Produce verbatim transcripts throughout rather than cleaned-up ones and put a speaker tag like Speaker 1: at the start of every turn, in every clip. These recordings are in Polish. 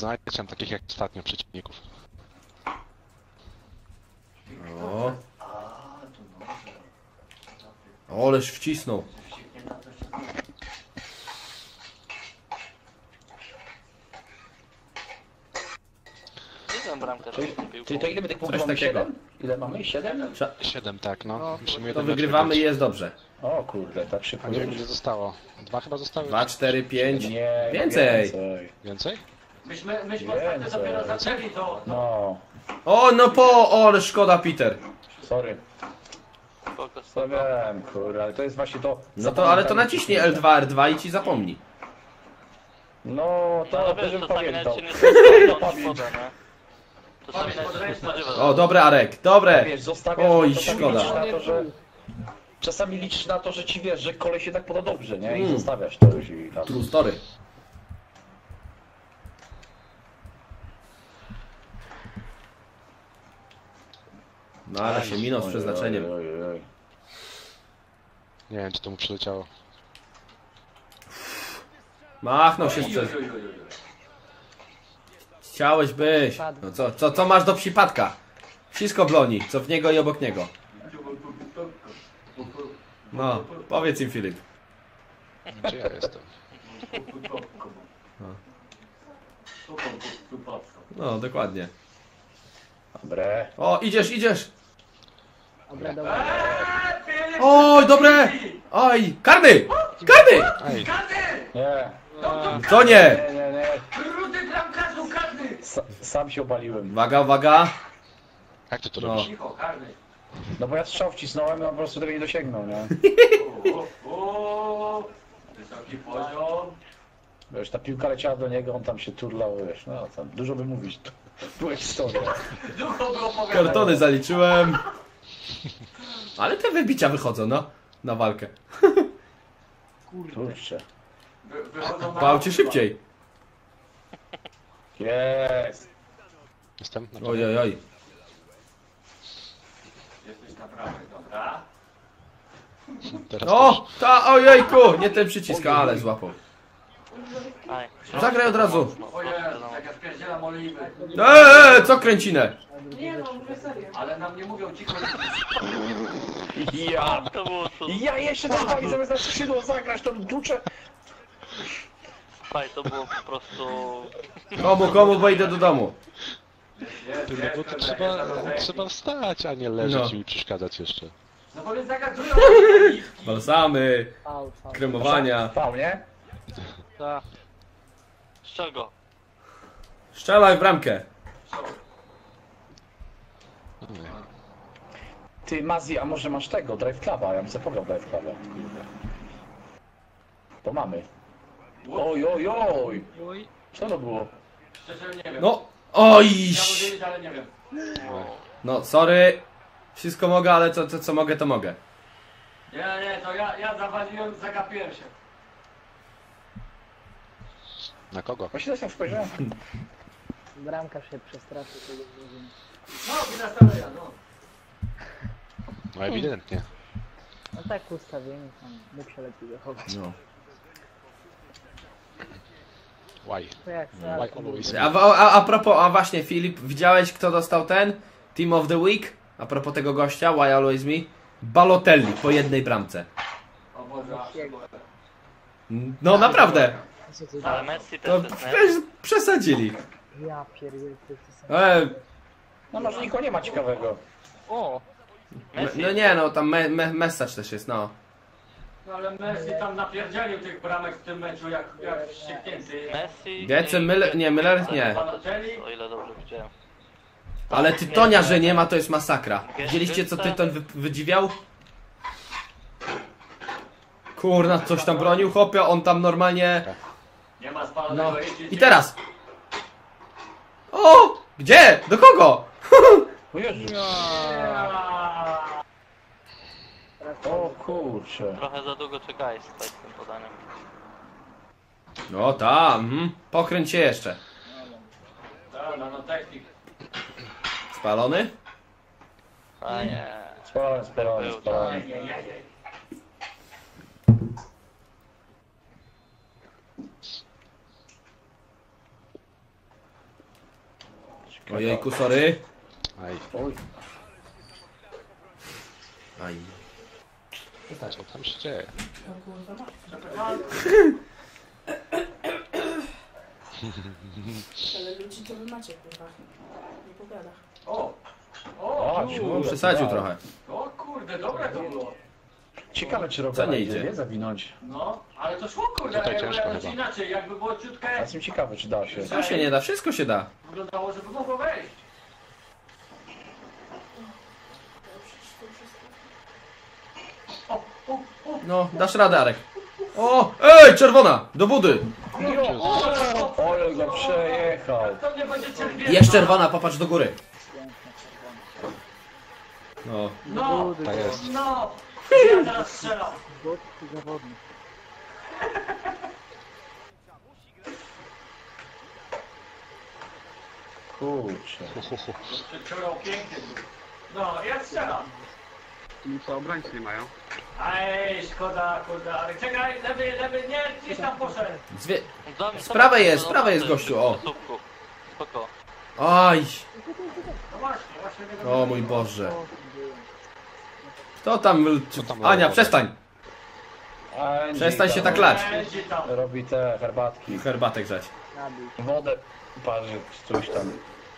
Speaker 1: znajdziesz takich jak ostatnio przeciwników.
Speaker 2: O. Oleż wcisnął.
Speaker 3: Czyli to ile my tych punktów
Speaker 2: Coś
Speaker 3: mamy?
Speaker 2: takiego.
Speaker 3: siedem? Ile mamy? siedem?
Speaker 1: Siedem, tak, no.
Speaker 2: No,
Speaker 1: Musimy
Speaker 2: to
Speaker 1: jeden
Speaker 2: wygrywamy i
Speaker 1: mecz
Speaker 2: jest dobrze.
Speaker 3: O kurde, tak
Speaker 1: A
Speaker 3: szybko.
Speaker 1: nie wiem ile zostało. Dwa chyba zostały?
Speaker 2: Dwa, cztery, pięć.
Speaker 3: Nie,
Speaker 2: Więcej.
Speaker 3: więcej.
Speaker 1: Więcej?
Speaker 4: Myśmy, myśmy ostatnio dopiero zaczęli to.
Speaker 3: No,
Speaker 2: O, no po, o, ale szkoda, Peter.
Speaker 3: sorry. To wiem, kurde, ale to jest właśnie to...
Speaker 2: No to, ale to naciśnij L dwa, R dwa i ci zapomni.
Speaker 3: No, to
Speaker 5: No
Speaker 3: to
Speaker 5: wiesz,
Speaker 3: żebym
Speaker 5: czasami
Speaker 3: pamiętał.
Speaker 5: nawet się nie spodziewać wodę, nie? Czasami nawet się nie spodziewać.
Speaker 2: O, dobre, Arek, dobre.
Speaker 3: Wiesz, zostawiasz,
Speaker 2: Oj,
Speaker 3: czasami
Speaker 2: szkoda.
Speaker 3: liczysz na to, że... Czasami liczysz na to, że ci wiesz, że kolej się tak poda dobrze, nie? I
Speaker 2: Mm.
Speaker 3: zostawiasz to już i tam.
Speaker 2: True story. No ale się minął z przeznaczeniem.
Speaker 3: Oj, oj, oj.
Speaker 1: Nie wiem czy to mu przyleciało.
Speaker 2: Machnął się z przez... Chciałeś być. No co, co, co masz do przypadka? Wszystko bloni, co w niego i obok niego. No, powiedz im, Filip.
Speaker 1: Gdzie ja jestem?
Speaker 2: No, dokładnie.
Speaker 3: Dobre.
Speaker 2: O, idziesz, idziesz!
Speaker 6: Dobra, dobra.
Speaker 2: Oj, dobre! Oj, karny! Karny!
Speaker 1: Ej,
Speaker 3: Nie,
Speaker 2: Co nie?
Speaker 3: nie, nie, nie.
Speaker 4: Rudy bramkarzu karny!
Speaker 3: Sa, sam się obaliłem.
Speaker 2: Uwaga, uwaga.
Speaker 1: jak ty to
Speaker 2: No.
Speaker 1: robisz?
Speaker 4: Cicho, karny.
Speaker 3: No bo ja strzał wcisnąłem, no po prostu tego nie dosięgnął, nie?
Speaker 4: O, o, wysoki poziom.
Speaker 3: Wiesz, ta piłka leciała do niego, on tam się turlał, wiesz, no tam dużo by mówić. Była historia.
Speaker 4: Ducho było opowiadać.
Speaker 2: Kartony zaliczyłem. Ale te wybicia wychodzą, no. Na walkę.
Speaker 3: Kurczę.
Speaker 4: Wy- Wychodzą na...
Speaker 2: Bał cię szybciej.
Speaker 3: Jest.
Speaker 1: Jestem? Na
Speaker 2: Oj, oj, oj.
Speaker 4: Jesteś na prawej, dobra.
Speaker 1: Teraz
Speaker 2: O! Ta, ojejku! Nie ten przycisk, ale złapał.
Speaker 5: Aj.
Speaker 2: Zagraj od razu.
Speaker 4: O Jezu, jak ja spierdzielam oliwy.
Speaker 2: Eee, co kręcinę?
Speaker 4: Nie no, mówię serio. Ale nam nie mówią cicho.
Speaker 3: Ja.
Speaker 5: To było cudowne.
Speaker 3: Ja jeszcze tam wali zamiast na skrzydło zagrać, to duczę.
Speaker 5: Faj, to było po prostu...
Speaker 2: Komu, komu, bo idę do domu.
Speaker 4: Jest,
Speaker 1: Ty, no
Speaker 4: jest,
Speaker 1: bo to
Speaker 4: jest,
Speaker 1: trzeba,
Speaker 4: jest, jest.
Speaker 1: trzeba wstać, a nie leżeć
Speaker 2: No.
Speaker 1: i mi przeszkadzać jeszcze.
Speaker 4: No bo mnie zagadują oliwki.
Speaker 2: Balsamy,
Speaker 6: Fał, fał.
Speaker 2: kremowania.
Speaker 3: Fał, nie?
Speaker 5: Ta. Z czego?
Speaker 2: Strzelaj w bramkę.
Speaker 3: Ty, Mazi, a może masz tego, Drive Cluba? Ja bym sobie pograł Drive Cluba. To mamy. Oj, oj, oj! Co to było?
Speaker 4: Szczerze nie wiem.
Speaker 2: No, oj!
Speaker 4: Chciałbym wiedzieć, ale nie wiem.
Speaker 2: No, sorry. Wszystko mogę, ale co, co, co mogę, to mogę.
Speaker 4: Nie, nie, to ja, ja zawaliłem, zagapiłem się.
Speaker 1: Na kogo?
Speaker 3: Właśnie też spojrzałem.
Speaker 6: Bramkarz się przestraszył tego drużyny.
Speaker 4: No, wina Staleja, no.
Speaker 1: No ewidentnie.
Speaker 6: No tak ustawienie tam mógł się lepiej zachować.
Speaker 2: No.
Speaker 1: Why?
Speaker 6: To jak
Speaker 1: Why
Speaker 6: zaraz
Speaker 1: always?
Speaker 2: A, a, a propos, a właśnie Filip, widziałeś kto dostał ten? Team of the Week? A propos tego gościa, Why Always Me? Balotelli po jednej bramce.
Speaker 4: O Boże, aż się boję.
Speaker 2: No naprawdę.
Speaker 6: Co ty
Speaker 5: Ale Messi
Speaker 2: To
Speaker 5: też jest, nie?
Speaker 2: przecież przesadzili.
Speaker 6: Ja pierdolę, to jest to samo.
Speaker 2: E,
Speaker 3: No może nikogo nie ma ciekawego.
Speaker 5: O!
Speaker 2: no,
Speaker 5: Messi.
Speaker 2: no nie no, tam me, me, message też jest, no.
Speaker 4: No ale Messi tam napierdzielił tych bramek w tym meczu jak, jak wścieknięty.
Speaker 5: Messi...
Speaker 2: Wiece,
Speaker 5: i-
Speaker 2: Müller, nie, Müller nie.
Speaker 5: O ile dobrze widziałem.
Speaker 2: Ale Tytonia, że nie ma, to jest masakra. Widzieliście co Tyton wy, wydziwiał? Kurna, coś tam bronił, chłopie, on tam normalnie...
Speaker 4: Nie ma spalonego
Speaker 2: No.
Speaker 4: jeździć.
Speaker 2: I teraz! O! Gdzie? Do kogo?
Speaker 3: O Jezu. O kurczę.
Speaker 5: Trochę za długo czekałeś tutaj z tym podaniem.
Speaker 2: No tam, mhm. Pokręć się jeszcze.
Speaker 4: Dobra, no technik.
Speaker 2: Spalony?
Speaker 5: A nie.
Speaker 3: Spalony, spalony,
Speaker 5: Był,
Speaker 3: spalony.
Speaker 4: Ej, ej, ej, ej.
Speaker 2: Ojejku, sorry.
Speaker 1: Aj,
Speaker 3: Oj,
Speaker 2: Aj.
Speaker 1: co tam się dzieje?
Speaker 7: Ale ludzi to wy macie, kurwa. Nie powiada.
Speaker 4: O!
Speaker 3: o,
Speaker 4: O!
Speaker 2: No,
Speaker 3: kurde,
Speaker 2: przesadził
Speaker 3: wow.
Speaker 2: trochę.
Speaker 4: O kurde, dobre to było.
Speaker 3: Ciekawe, czy
Speaker 2: Co
Speaker 3: Rogala
Speaker 2: nie
Speaker 3: idzie,
Speaker 2: idzie?
Speaker 3: nie? Zawinąć.
Speaker 4: No, ale to szło kurde,
Speaker 1: Tutaj
Speaker 4: jakby
Speaker 1: ciężko
Speaker 4: jakoś
Speaker 1: chyba.
Speaker 4: inaczej, jakby było ciutkę,
Speaker 3: Ja jestem ciekawy, czy da się.
Speaker 2: Co się nie da? Wszystko się da.
Speaker 4: wyglądało, żeby mogło wejść. O, o, o,
Speaker 2: No, dasz radę, Arek. O! Ej, czerwona! Do wody!
Speaker 4: o, o,
Speaker 3: Ole go przejechał.
Speaker 4: to mnie będzie cierpieć.
Speaker 2: Jest czerwona, popatrz do góry. No.
Speaker 4: No,
Speaker 1: Tak jest.
Speaker 4: no. Ja teraz strzelam.
Speaker 6: Gotki zawodnik.
Speaker 3: Kurczę.
Speaker 4: Przeczyło pięknie. No, ja strzelam.
Speaker 8: Co obrońcy nie mają?
Speaker 4: Aj, szkoda, kurde, ale czekaj, lewy, lewy, nie, gdzieś tam poszedł.
Speaker 2: Zwie...
Speaker 5: Dam-
Speaker 2: Z prawej jest, z
Speaker 5: dam-
Speaker 2: prawej jest
Speaker 5: dam-
Speaker 2: gościu, o.
Speaker 5: Słupku. Spoko.
Speaker 2: Aj!
Speaker 4: No właśnie, właśnie tego
Speaker 2: O mój Boże. Kto tam...
Speaker 1: Co tam
Speaker 2: Ania,
Speaker 1: robi?
Speaker 2: przestań!
Speaker 3: Angie
Speaker 2: Przestań się
Speaker 3: tam
Speaker 2: tak lać.
Speaker 4: Będzie tam.
Speaker 3: Robi te herbatki.
Speaker 2: Herbatę grzać.
Speaker 6: Nabij.
Speaker 3: Wodę parzy, coś tam.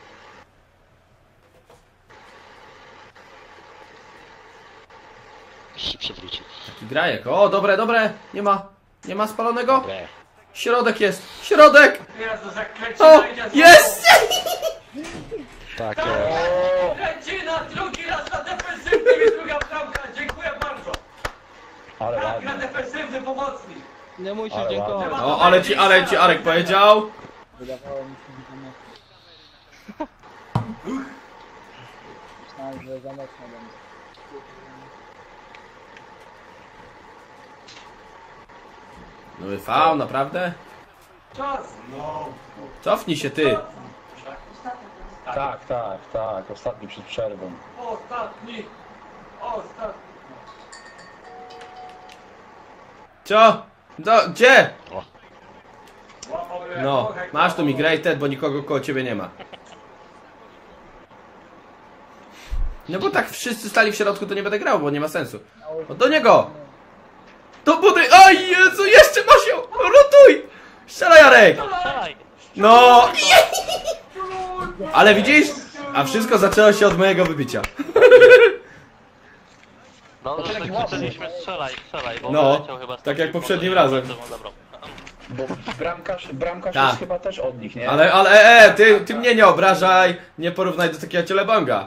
Speaker 1: Się przewrócił.
Speaker 2: Taki grajek. O, dobre, dobre. Nie ma. Nie ma spalonego?
Speaker 1: Bre.
Speaker 2: Środek jest. Środek!
Speaker 4: Jezu,
Speaker 2: O!
Speaker 4: zakręcina idzie znowu.
Speaker 2: Jest!
Speaker 1: Tak jest.
Speaker 4: Kręcina, drugi raz na defensywny i druga bramka. Dziękuję bardzo.
Speaker 3: Ale
Speaker 4: Tak, na
Speaker 3: ładnie.
Speaker 4: defensywny pomocnik.
Speaker 8: Nie musisz
Speaker 3: Ale
Speaker 8: dziękować.
Speaker 3: ładnie.
Speaker 2: O, ale ci, ale ci Arek powiedział.
Speaker 6: Wydawało mi się, że za mocno. Myślałem, że za mocno będzie.
Speaker 2: No wyfał, naprawdę?
Speaker 4: Czas. No.
Speaker 2: Cofnij się ty.
Speaker 3: Tak, tak, tak. Ostatni przed przerwą.
Speaker 4: Ostatni. Ostatni.
Speaker 2: Co? Do, gdzie?
Speaker 4: Łapał mnie
Speaker 2: No,
Speaker 4: trochę,
Speaker 2: masz tu
Speaker 4: kurwa.
Speaker 2: migrated, bo nikogo koło ciebie nie ma. No bo tak wszyscy stali w środku, to nie będę grał, bo nie ma sensu. O, do niego! Do budy! Oj, Jezu, jeszcze masz ją! Rotuj! Strzelaj, Jarek!
Speaker 5: Strzelaj!
Speaker 2: No! Ale widzisz? A wszystko zaczęło się od mojego wybicia.
Speaker 5: Dobrze, że
Speaker 3: taki
Speaker 5: tak
Speaker 3: ładny.
Speaker 5: krzyczeliśmy strzelaj, strzelaj, bo
Speaker 2: No,
Speaker 5: wyleciał chyba z
Speaker 2: tak
Speaker 5: takiej
Speaker 2: jak poprzednim
Speaker 5: pozycji,
Speaker 2: razem.
Speaker 5: że mu zabrał.
Speaker 3: Bo bramkarz, bramkarz
Speaker 2: Tak.
Speaker 3: jest chyba też od nich, nie?
Speaker 2: Ale, ale, e, e, ty, ty mnie nie obrażaj, nie porównaj do takiego cielebanga.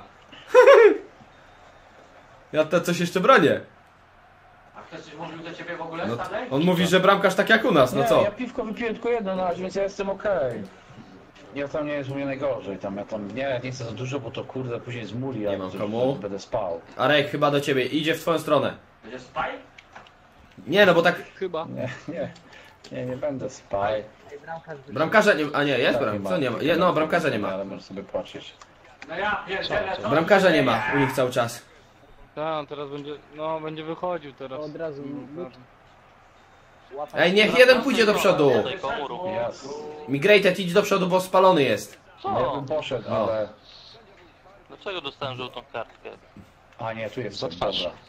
Speaker 2: Ja to coś jeszcze bronię.
Speaker 4: A ktoś coś mówił do ciebie w ogóle,
Speaker 2: No,
Speaker 4: Stanley?
Speaker 2: on mówi, że bramkarz tak jak u nas, no
Speaker 3: Nie,
Speaker 2: co?
Speaker 3: ja piwko wypiłem tylko jedno na razie, więc ja jestem okej. Ja tam nie jest u mnie najgorzej, tam ja tam nie, nie chcę za dużo, bo to kurde później zmuli,
Speaker 2: Nie
Speaker 3: a
Speaker 2: mam
Speaker 3: to-
Speaker 2: komu.
Speaker 3: to będę spał.
Speaker 2: Arek, chyba do ciebie, idzie w twoją stronę.
Speaker 4: Będzie spaj?
Speaker 2: Nie, no bo tak,
Speaker 8: Chyba.
Speaker 3: Nie, nie, nie, nie będę spał.
Speaker 6: Ej, bramkarz wyszedł.
Speaker 2: bramkarza nie, a nie, jest
Speaker 3: Tak,
Speaker 2: bram, co nie ma? Je, no, bramkarza nie ma.
Speaker 3: Ale możesz sobie płacić.
Speaker 4: No ja pierdzielę, co
Speaker 2: Bramkarza
Speaker 4: się
Speaker 2: nie
Speaker 4: dzieje?
Speaker 2: ma u nich cały czas.
Speaker 8: Tak, on teraz będzie, no będzie wychodził teraz.
Speaker 6: To od razu lód. Łapać.
Speaker 2: Ej, niech jeden pójdzie do przodu.
Speaker 5: Tutaj komu rób.
Speaker 3: Jasne.
Speaker 2: Migrated, idź do przodu, bo spalony jest.
Speaker 3: No ja
Speaker 5: Co?
Speaker 3: bym poszedł,
Speaker 2: O.
Speaker 3: ale...
Speaker 5: Dlaczego dostałem żółtą kartkę?
Speaker 3: A nie, tu jest
Speaker 1: Za twarz.
Speaker 3: dobra.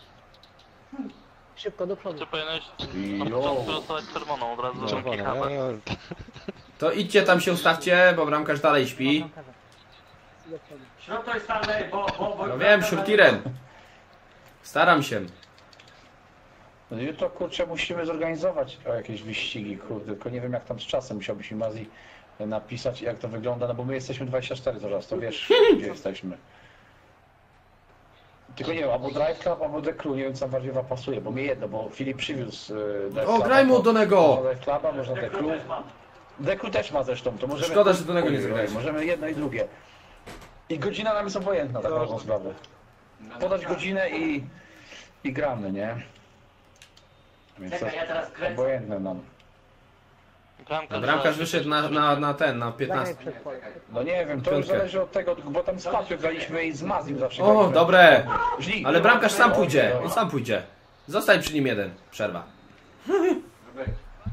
Speaker 6: Szybko do przodu.
Speaker 5: Czy powinieneś na
Speaker 3: Jo.
Speaker 5: początku dostawać czerwoną od razu?
Speaker 1: Czerwone.
Speaker 5: kichawę?
Speaker 1: eee,
Speaker 2: To idźcie tam się ustawcie, bo bramkarz dalej śpi.
Speaker 6: Bramkarza. Do przodu.
Speaker 4: Środek Stanley, bo... bo, bo
Speaker 2: No wiem, Shurtiren. Staram się.
Speaker 3: No jutro kurczę musimy zorganizować o jakieś wyścigi, kurde, tylko nie wiem jak tam z czasem, musiałbyś mi Mazji napisać jak to wygląda, no bo my jesteśmy dwadzieścia cztery zaraz, to wiesz gdzie jesteśmy. Tylko nie wiem, albo Drive Club, albo The Crew, nie wiem co bardziej wam pasuje, bo mnie jedno, bo Filip przywiózł y, Drive
Speaker 2: O,
Speaker 3: Cluba,
Speaker 2: graj mu
Speaker 3: to-
Speaker 2: do niego!
Speaker 3: Można Drive Cluba, można The Crew.
Speaker 4: też mam.
Speaker 3: The Crew też ma zresztą, to możemy...
Speaker 2: Szkoda, że do niego nie
Speaker 3: Oj, oj,
Speaker 2: zagrałeś.
Speaker 3: Możemy jedno i drugie. I godzina nam jest obojętna, tak ważną sprawę. Podać godzinę i, i gramy, nie? Więc to
Speaker 4: Czekaj, ja teraz kręcę.
Speaker 3: obojętne nam.
Speaker 5: Bramkarz,
Speaker 2: Bramkarz wyszedł na, na, na ten, na
Speaker 6: Zagraj
Speaker 2: piętnaście.
Speaker 6: przed pole.
Speaker 3: No nie wiem, to już
Speaker 2: Piątkę.
Speaker 3: zależy od tego, bo tam z Papią graliśmy i z Mazim zawsze
Speaker 2: O,
Speaker 3: graliśmy.
Speaker 2: dobre!
Speaker 3: Żli.
Speaker 2: Ale bramkarz sam pójdzie,
Speaker 3: Oj,
Speaker 2: on sam pójdzie. Zostań przy nim jeden, przerwa.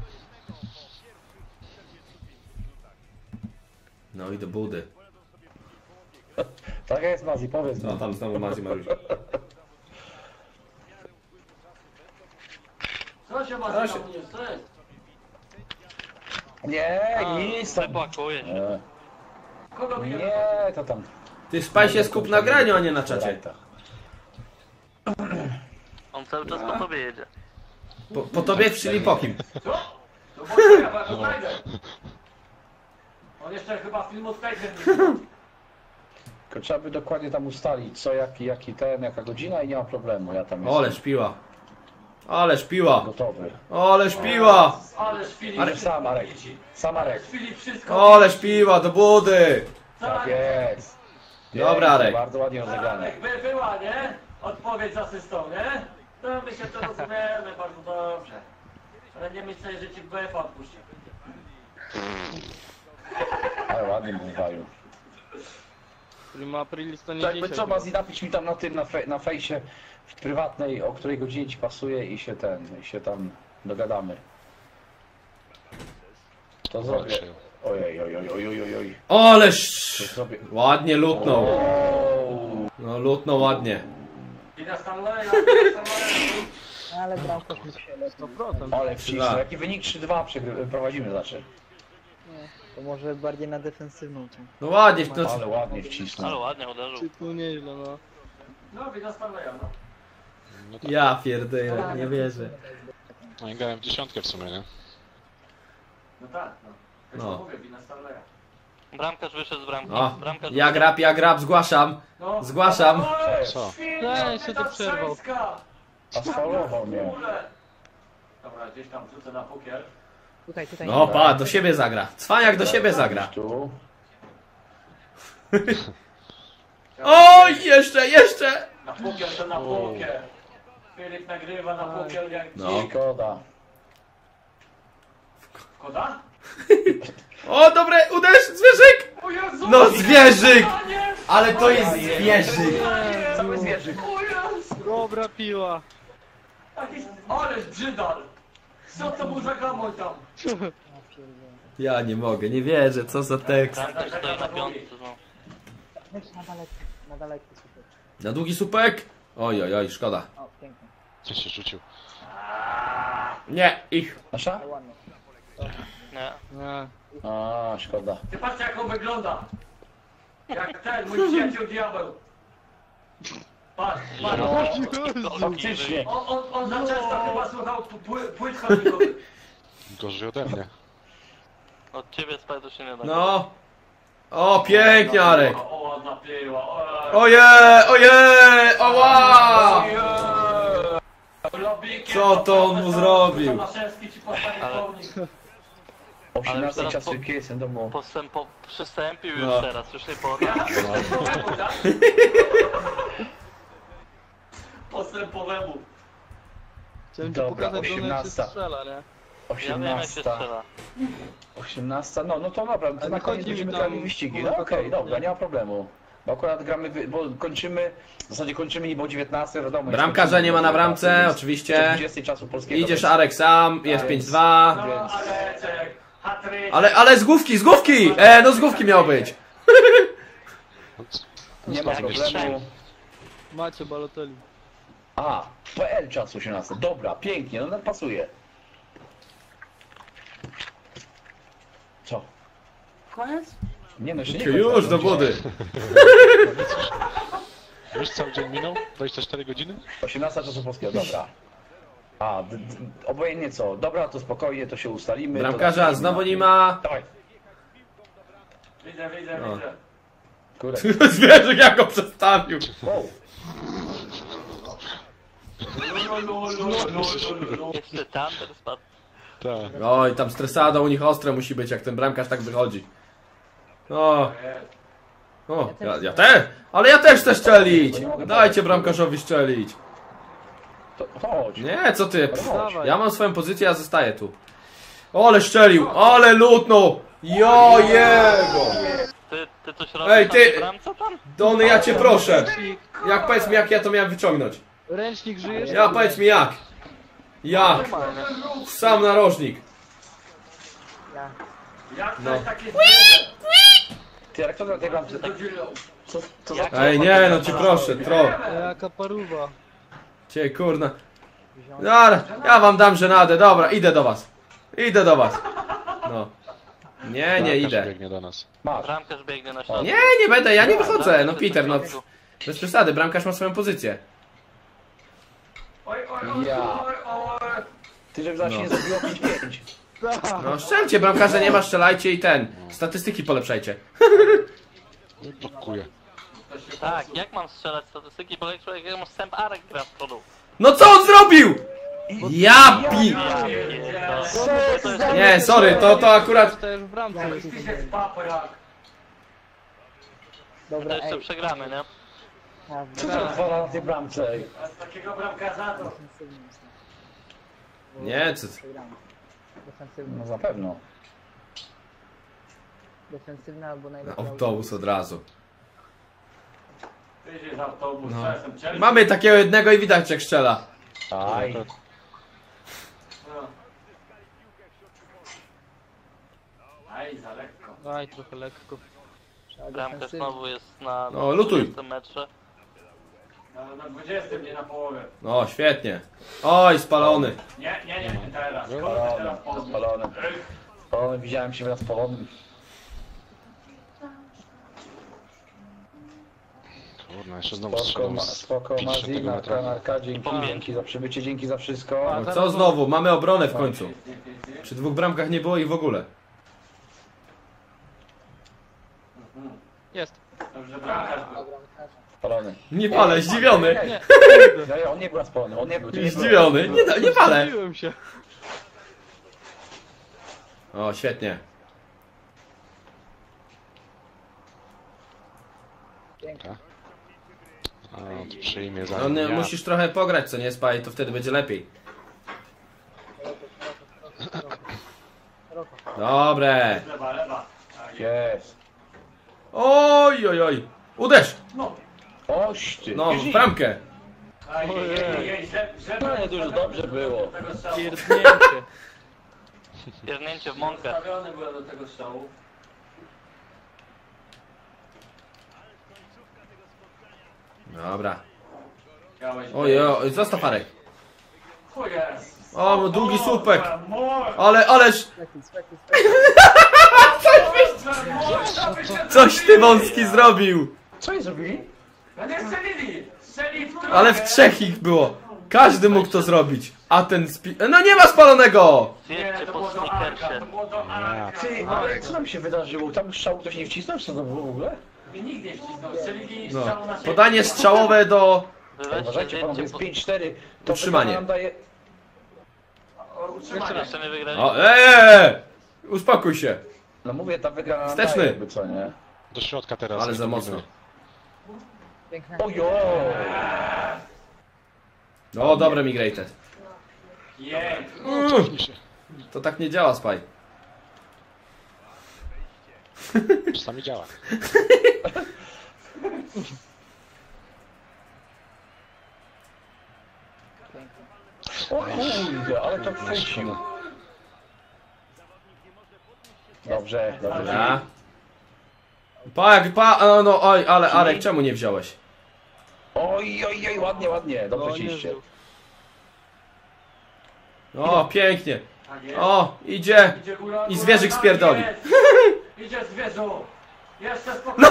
Speaker 2: No i do budy.
Speaker 3: Tak jest, Mazi, powiedz
Speaker 2: No
Speaker 3: mi.
Speaker 2: tam znowu Mazi Mariusz.
Speaker 4: Co się ma
Speaker 2: Co
Speaker 4: tam
Speaker 2: się-
Speaker 4: nie chce?
Speaker 3: Nie, nic tam.
Speaker 5: Wypakuje się.
Speaker 3: Nie,
Speaker 4: Kogo mnie
Speaker 3: nie, to tam.
Speaker 2: Ty spaj się skup na graniu, a nie na czacie.
Speaker 5: On cały czas po tobie jedzie.
Speaker 2: Po, po tobie czyli po kim?
Speaker 4: Co? No bo to ja bardzo znajdę. On jeszcze chyba filmu z Tiger nie widział.
Speaker 3: Tylko trzeba by dokładnie tam ustalić, co, jaki, jaki ten, jaka godzina i nie ma problemu. Ja tam
Speaker 2: Oleż
Speaker 3: jestem
Speaker 2: piła. Ależ piła.
Speaker 3: gotowy.
Speaker 2: Ależ piła.
Speaker 4: Ależ Filip
Speaker 3: Ale
Speaker 4: wszystko
Speaker 3: sam, Marek.
Speaker 4: widzi.
Speaker 3: Sam Marek.
Speaker 4: Filip wszystko
Speaker 2: Ależ piła, do budy.
Speaker 3: Tak jest.
Speaker 2: Dobra,
Speaker 3: Pięknie,
Speaker 2: Arek.
Speaker 3: Bardzo ładnie rozegrane.
Speaker 4: Tak, by była, nie? Odpowiedź z asystą, nie? To my się to rozumiemy bardzo dobrze. Ale nie myślę, że ci B F odpuści.
Speaker 3: Ale ładnie mówił.
Speaker 8: Prima Aprilis to nie
Speaker 3: Jakby
Speaker 8: dzisiaj.
Speaker 3: co, Mazi, napisz mi tam na tym, na, fe, na fejsie w prywatnej, o której godzinie ci pasuje i się ten, i się tam dogadamy. To zrobię.
Speaker 1: Walczył.
Speaker 3: Ojej, ojej, ojej, ojej, ojej.
Speaker 2: Ależ.
Speaker 3: To zrobię.
Speaker 2: Ładnie lutnął.
Speaker 3: O,
Speaker 2: No lutnął ładnie.
Speaker 4: Wina Stanleya, Wina Stanleya.
Speaker 6: No ale bramkarz mógł się lepiej.
Speaker 8: sto procent.
Speaker 3: ale wcisnął. Jaki wynik trzy dwa przegry- prowadzimy, znaczy.
Speaker 6: Nie, to może bardziej na defensywną tą.
Speaker 2: No ładnie, no,
Speaker 3: Ale ładnie
Speaker 5: Ale
Speaker 3: wcisnął.
Speaker 5: ładnie uderzył.
Speaker 8: Czy tu nieźle, no.
Speaker 4: No, Wina Stanleya, no.
Speaker 1: No tak.
Speaker 2: ja pierdolę, nie wierzę.
Speaker 1: No i grałem w dziesiątkę w sumie, nie?
Speaker 4: No tak, no. Też
Speaker 2: No.
Speaker 4: no. mówię, Wina Stanleya.
Speaker 5: Bramkarz wyszedł z bramki.
Speaker 2: O,
Speaker 5: Bramkarz
Speaker 2: ja grab, ja grab, zgłaszam.
Speaker 4: No.
Speaker 2: Zgłaszam.
Speaker 4: O,
Speaker 1: Co?
Speaker 4: świnia,
Speaker 8: Nie, się to przerwał.
Speaker 4: Tatrzańska.
Speaker 3: A sfaulował mnie.
Speaker 4: W ogóle. Dobra, gdzieś tam wrzucę na pukiel.
Speaker 6: Tutaj, tutaj.
Speaker 2: No pa, do siebie zagra. Cwaniak do siebie zagra.
Speaker 3: Tu.
Speaker 2: Oj, jeszcze, jeszcze.
Speaker 4: Na pukiel to na pukiel. Filip nagrywa na pukiel jak
Speaker 2: No.
Speaker 4: dzik.
Speaker 3: Szkoda.
Speaker 4: Koda?
Speaker 2: O, dobre, uderz, zwierzyk.
Speaker 4: O Jezu!
Speaker 2: No, zwierzyk.
Speaker 4: Panie!
Speaker 2: Ale to jest zwierzyk.
Speaker 3: Cały zwierzyk.
Speaker 4: O Jezu!
Speaker 8: Dobra piła.
Speaker 4: Taki- Ależ brzydal! Co to był za gamoń tam?
Speaker 2: Ja nie mogę, nie wierzę, co za tekst.
Speaker 5: Bramkarz stoi na piątce znowu.
Speaker 6: Leć na daleki, na daleki super.
Speaker 2: Na długi supek? Oj, oj, oj, szkoda.
Speaker 6: O, pięknie.
Speaker 1: Co się rzucił?
Speaker 2: Nie, ich.
Speaker 3: Nasza?
Speaker 6: Ale ładnie.
Speaker 5: Nie.
Speaker 8: Nie.
Speaker 3: A, szkoda.
Speaker 4: Ty patrzcie jak on wygląda! Jak ten, mój przyjaciel diabeł! Patrz, patrz!
Speaker 3: Faktycznie.
Speaker 4: On, on, on za często chyba słuchał pły, płyt chodnikowych.
Speaker 1: Gorzej ode mnie.
Speaker 5: Od ciebie Spajdu się nie da.
Speaker 2: No. O, pięknie, Arek.
Speaker 4: O, ładna piła, ojej!
Speaker 2: Ojej, ojej, oła!
Speaker 4: Lobikiem,
Speaker 2: Co to on mu zrobił?
Speaker 4: Tomaszewski ci postawi
Speaker 5: Ale-
Speaker 4: pomnik.
Speaker 3: osiemnasty
Speaker 5: teraz
Speaker 3: czas
Speaker 5: po-
Speaker 3: wielki jestem domu.
Speaker 5: Postępo... Przystąpił już
Speaker 2: No.
Speaker 5: teraz, już nie poda.
Speaker 4: Postępowemu, tak? Postępowemu.
Speaker 8: Chciałem ci
Speaker 3: Dobra,
Speaker 8: pokazać, że ona się
Speaker 3: osiemnasta.
Speaker 8: strzela, nie?
Speaker 5: Ja wiem jak się
Speaker 3: osiemnasta.
Speaker 5: strzela.
Speaker 3: osiemnasta, no, no to dobra, to
Speaker 8: Ale
Speaker 3: na
Speaker 8: chodzi
Speaker 3: koniec
Speaker 8: mi
Speaker 3: będziemy
Speaker 8: tam
Speaker 3: grali wyścigi. No
Speaker 8: o
Speaker 3: okej,
Speaker 8: to,
Speaker 3: dobra,
Speaker 8: nie?
Speaker 3: nie ma problemu. Bo akurat gramy, wy- bo kończymy, w zasadzie kończymy niebo dziewiętnaście, wiadomo.
Speaker 2: Bramkarza nie ma na bramce, oczywiście.
Speaker 3: dwudziestej czasu polskiego.
Speaker 2: Idziesz, Arek, sam, jest pięć dwa.
Speaker 4: No,
Speaker 3: Więc-
Speaker 4: ale czek, hatryk.
Speaker 2: Ale, ale z główki, z główki! E, no z główki miał być.
Speaker 3: Nie ma problemu.
Speaker 8: Macie Balotelli.
Speaker 3: A, P L czas osiemnasty. Dobra, pięknie, no no, pasuje. Co?
Speaker 4: Koniec?
Speaker 3: Nie no, jeszcze nie
Speaker 2: Już
Speaker 3: kończę,
Speaker 2: do
Speaker 3: no,
Speaker 2: budy.
Speaker 1: Już cały dzień minął? dwadzieścia cztery godziny?
Speaker 3: osiemnasta czasu polskiego, dobra. A, d- d- obojętnie co. Dobra, to spokojnie, to się ustalimy. to
Speaker 2: Bramkarza
Speaker 3: damy-
Speaker 2: znowu nie ma.
Speaker 3: Dawaj.
Speaker 4: Widzę, widzę,
Speaker 2: No.
Speaker 4: widzę.
Speaker 3: Kurde.
Speaker 2: Zwierzyk jak go przestawił.
Speaker 3: Wow.
Speaker 5: Jeszcze Thunder spadł.
Speaker 1: Tak.
Speaker 2: Oj, tam stresada u nich ostre musi być, jak ten bramkarz tak wychodzi. O, o, ja, ja też, ale ja też chcę szczelić. Dajcie bramkarzowi szczelić.
Speaker 3: To chodź.
Speaker 2: Nie, co ty? Pff,
Speaker 8: Dawaj.
Speaker 2: ja mam swoją pozycję, ja zostaję tu. Ale szczelił, ale lutnął. Jo jego.
Speaker 5: Ty, ty coś robisz
Speaker 2: Ej,
Speaker 5: na
Speaker 2: ty-
Speaker 5: tej bramce tam?
Speaker 2: Dony, ja cię proszę. Jak powiedz mi, jak ja to miałem wyciągnąć?
Speaker 8: Ręcznik żyjesz?
Speaker 2: Ja powiedz mi jak. Ja, sam narożnik.
Speaker 6: Ja.
Speaker 4: Jak
Speaker 2: No.
Speaker 4: to jest takie zwierzę?
Speaker 3: Ty, jak to na tej bramce?
Speaker 4: Do dziurą.
Speaker 3: Co, co za...
Speaker 2: Ej, nie, no cię proszę, tro.
Speaker 8: Jaka paruwa.
Speaker 2: Cię kurna. Dobra, ja wam dam żenadę, dobra, idę do was. Idę do was. No. Nie, nie
Speaker 1: Bramkarz
Speaker 2: idę.
Speaker 1: biegnie do nas.
Speaker 3: Masz.
Speaker 5: Bramkarz biegnie na środek.
Speaker 2: Nie, nie będę, ja nie wychodzę. No Peter, no bez przesady, bramkarz ma swoją pozycję.
Speaker 4: Oj, oj, oj,
Speaker 3: Ja.
Speaker 4: oj, oj.
Speaker 3: Ty, żeby zaś
Speaker 2: No.
Speaker 3: nie zrobiło pięć pięć.
Speaker 2: No strzelcie, bramkarza nie ma, strzelajcie i ten. Statystyki polepszajcie.
Speaker 1: Blokuje.
Speaker 5: Tak, jak mam strzelać statystyki, bo jak człowiek jak sęp Arek gra z przodu.
Speaker 2: No co on zrobił? Ja pi...
Speaker 5: To jest
Speaker 2: Nie, sorry, to, to akurat...
Speaker 8: To już w bramce jest.
Speaker 4: Piszesz paprak.
Speaker 5: To
Speaker 6: Dobra,
Speaker 5: jeszcze
Speaker 6: ej.
Speaker 5: przegramy, nie?
Speaker 6: Ja
Speaker 3: Co to odwala na tej bramce? Ej?
Speaker 4: A z takiego bramkarza to...
Speaker 6: defensywny jest.
Speaker 2: Nie, co...
Speaker 6: Przegramy. Defensywny.
Speaker 3: No zapewne.
Speaker 6: Defensywny albo najlepiej.
Speaker 2: Autobus od razu.
Speaker 4: Ty jest autobus,
Speaker 2: No.
Speaker 4: czasem Chelsea.
Speaker 2: Mamy takiego jednego i widać jak strzela.
Speaker 3: Aj.
Speaker 4: No. Aj, za lekko.
Speaker 8: Aj, trochę lekko.
Speaker 6: Trzeba
Speaker 5: Bramka
Speaker 6: defensywny.
Speaker 5: znowu jest na
Speaker 2: No, lutuj.
Speaker 5: dwudziestym metrze.
Speaker 4: Na, na dwudziestym, nie na połowę.
Speaker 2: No, świetnie. Oj, spalony.
Speaker 4: Nie, nie, nie, nie teraz. Kurde,
Speaker 3: Spalony,
Speaker 4: teraz połowę.
Speaker 3: spalony. Spalony, widziałem się raz spalonym.
Speaker 1: Kurna, jeszcze znowu
Speaker 3: Spoko,
Speaker 1: strzelał
Speaker 3: ma,
Speaker 1: z
Speaker 3: spoko, Mazi,
Speaker 1: pięćdziesiątego
Speaker 3: Narka,
Speaker 1: metra.
Speaker 3: Narka, dzięki, dzięki za przybycie, dzięki za wszystko.
Speaker 2: No co znowu? Mamy obronę w końcu. Przy dwóch bramkach nie było ich w ogóle.
Speaker 8: Jest.
Speaker 4: Dobrze, bramkarz był.
Speaker 3: Spalony.
Speaker 2: Nie palę, zdziwiony.
Speaker 8: Nie,
Speaker 3: No, nie, on nie był spalony, on nie był. ty nie byłeś.
Speaker 2: Zdziwiony. Nie, da- nie palę.
Speaker 8: Zdziwiłem się.
Speaker 2: O, świetnie.
Speaker 1: A, to przyjmie za
Speaker 2: No, nie,
Speaker 1: ja.
Speaker 2: musisz trochę pograć, co nie spaj, to wtedy będzie lepiej. Dobre.
Speaker 4: Lewa, lewa. Tak,
Speaker 3: Jest.
Speaker 2: Oj, oj, oj. Uderz.
Speaker 4: no.
Speaker 3: Oś ty.
Speaker 2: No, w bramkę.
Speaker 4: Aj, jej, jej, jej, że- żeby-
Speaker 3: No, to już dobrze było.
Speaker 4: do tego strzału.
Speaker 8: Pierdnięcie.
Speaker 5: Pierdnięcie w mąkę.
Speaker 4: Ustawiony byłem do tego strzału.
Speaker 2: Dobra.
Speaker 4: Miałeś
Speaker 2: Oj, oj, zostaw Arek.
Speaker 4: O jest.
Speaker 2: O, no długi słupek.
Speaker 4: Mor,
Speaker 2: Ale, ależ...
Speaker 6: Spekiel, spekiel, spekiel.
Speaker 2: Coś ty wąski zrobił.
Speaker 3: Co oni zrobili?
Speaker 4: no nie strzelili. Strzeli w trójkę.
Speaker 2: Ale w trzech ich było. Każdy mógł to zrobić. A ten spi... No nie ma spalonego!
Speaker 4: Nie,
Speaker 5: Zjedźcie
Speaker 4: to
Speaker 5: po
Speaker 4: było do Arka,
Speaker 5: snickersie.
Speaker 4: to było do Arka.
Speaker 3: Ty, ale co tam się wydarzyło? Tam strzał ktoś nie wcisnął? Co to było w ogóle?
Speaker 4: I nikt nie wcisnął. Strzelili
Speaker 2: No.
Speaker 4: strzału na siebie.
Speaker 2: Podanie strzałowe do...
Speaker 5: Wylećcie,
Speaker 3: Uważajcie panowie,
Speaker 5: zjedźcie
Speaker 3: jest
Speaker 5: po...
Speaker 3: pięć cztery. To
Speaker 2: Utrzymanie.
Speaker 3: wygrana nam daje...
Speaker 4: O, utrzymanie.
Speaker 5: Jeszcze nie wygrali.
Speaker 2: O, eee! Uspokój się.
Speaker 3: No mówię, ta wygrana nam
Speaker 2: Wsteczny.
Speaker 3: daje jakby co, nie?
Speaker 1: Do środka teraz.
Speaker 2: Ale
Speaker 1: nie
Speaker 2: za
Speaker 1: pomyślmy.
Speaker 2: mocno.
Speaker 6: Piękne.
Speaker 3: Ojo!
Speaker 2: No, dobre migrated.
Speaker 4: Jej.
Speaker 2: Mm, to tak nie działa, Spy.
Speaker 1: Czasami działa.
Speaker 3: O kurde, ale to chwycił. Dobrze, dobrze.
Speaker 2: Dobra. Pa, jak pa... No, no, oj, ale Arek, czemu nie wziąłeś?
Speaker 3: Oj, oj, oj, ładnie, ładnie.
Speaker 8: No,
Speaker 3: Dobrze
Speaker 8: nie
Speaker 3: ciście.
Speaker 8: wziął.
Speaker 2: O, pięknie.
Speaker 4: Tak jest.
Speaker 2: O, idzie.
Speaker 4: Idzie góra,
Speaker 2: I
Speaker 4: góra,
Speaker 2: zwierzyk
Speaker 4: tak
Speaker 2: spierdoli.
Speaker 4: jest. Idzie zwierzu. Jeszcze spokojnie.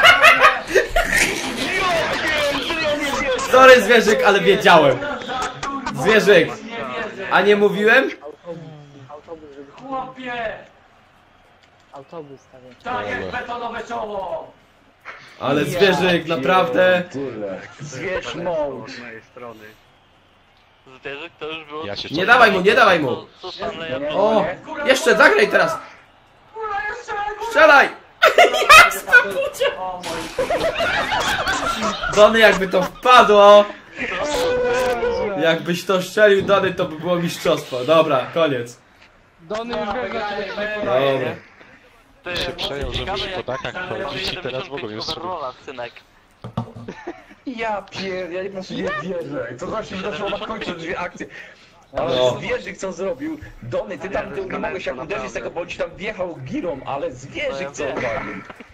Speaker 2: Sorry, zwierzyk, ale wiedziałem. Zwierzyk.
Speaker 4: Nie wierzę.
Speaker 2: A nie mówiłem?
Speaker 6: Autobus, żeby...
Speaker 4: Chłopie.
Speaker 6: Autobus stawiać.
Speaker 4: Tak jest betonowe czoło.
Speaker 2: Ale zwierzyk, naprawdę.
Speaker 3: Tyle. Zwierz mąż.
Speaker 5: Zwierzyk to już było...
Speaker 1: Ja się
Speaker 2: Nie dawaj mu, nie dawaj mu.
Speaker 5: Co, co Stanley
Speaker 3: Nie, nie,
Speaker 2: O,
Speaker 3: nie.
Speaker 2: jeszcze zagraj teraz.
Speaker 4: Góra jeszcze. Góra.
Speaker 2: Strzelaj.
Speaker 4: O mój.
Speaker 2: Dony, jakby to wpadło. Jakbyś to strzelił, Dony, to by było mistrzostwo. Dobra, koniec.
Speaker 8: Dony już wie, że
Speaker 2: Dobra.
Speaker 5: Ty,
Speaker 1: się przejął, że musi po dakach
Speaker 5: Stanley
Speaker 1: chodzić i
Speaker 5: robi
Speaker 1: teraz w ogóle
Speaker 5: dziewięćdziesiąt pięć
Speaker 1: jest
Speaker 5: overalla, synek.
Speaker 3: Ja pier... ja po prostu nie wierzę. To właśnie wydarzyło na końcu dwie akcje. Ale
Speaker 2: No.
Speaker 3: zwierzyk co zrobił? Dony, ty tam ty nie mogłeś jak uderzyć z tego, bo on ci tam wjechał girą, ale zwierzyk co
Speaker 5: No ja wiem.
Speaker 3: zrobił?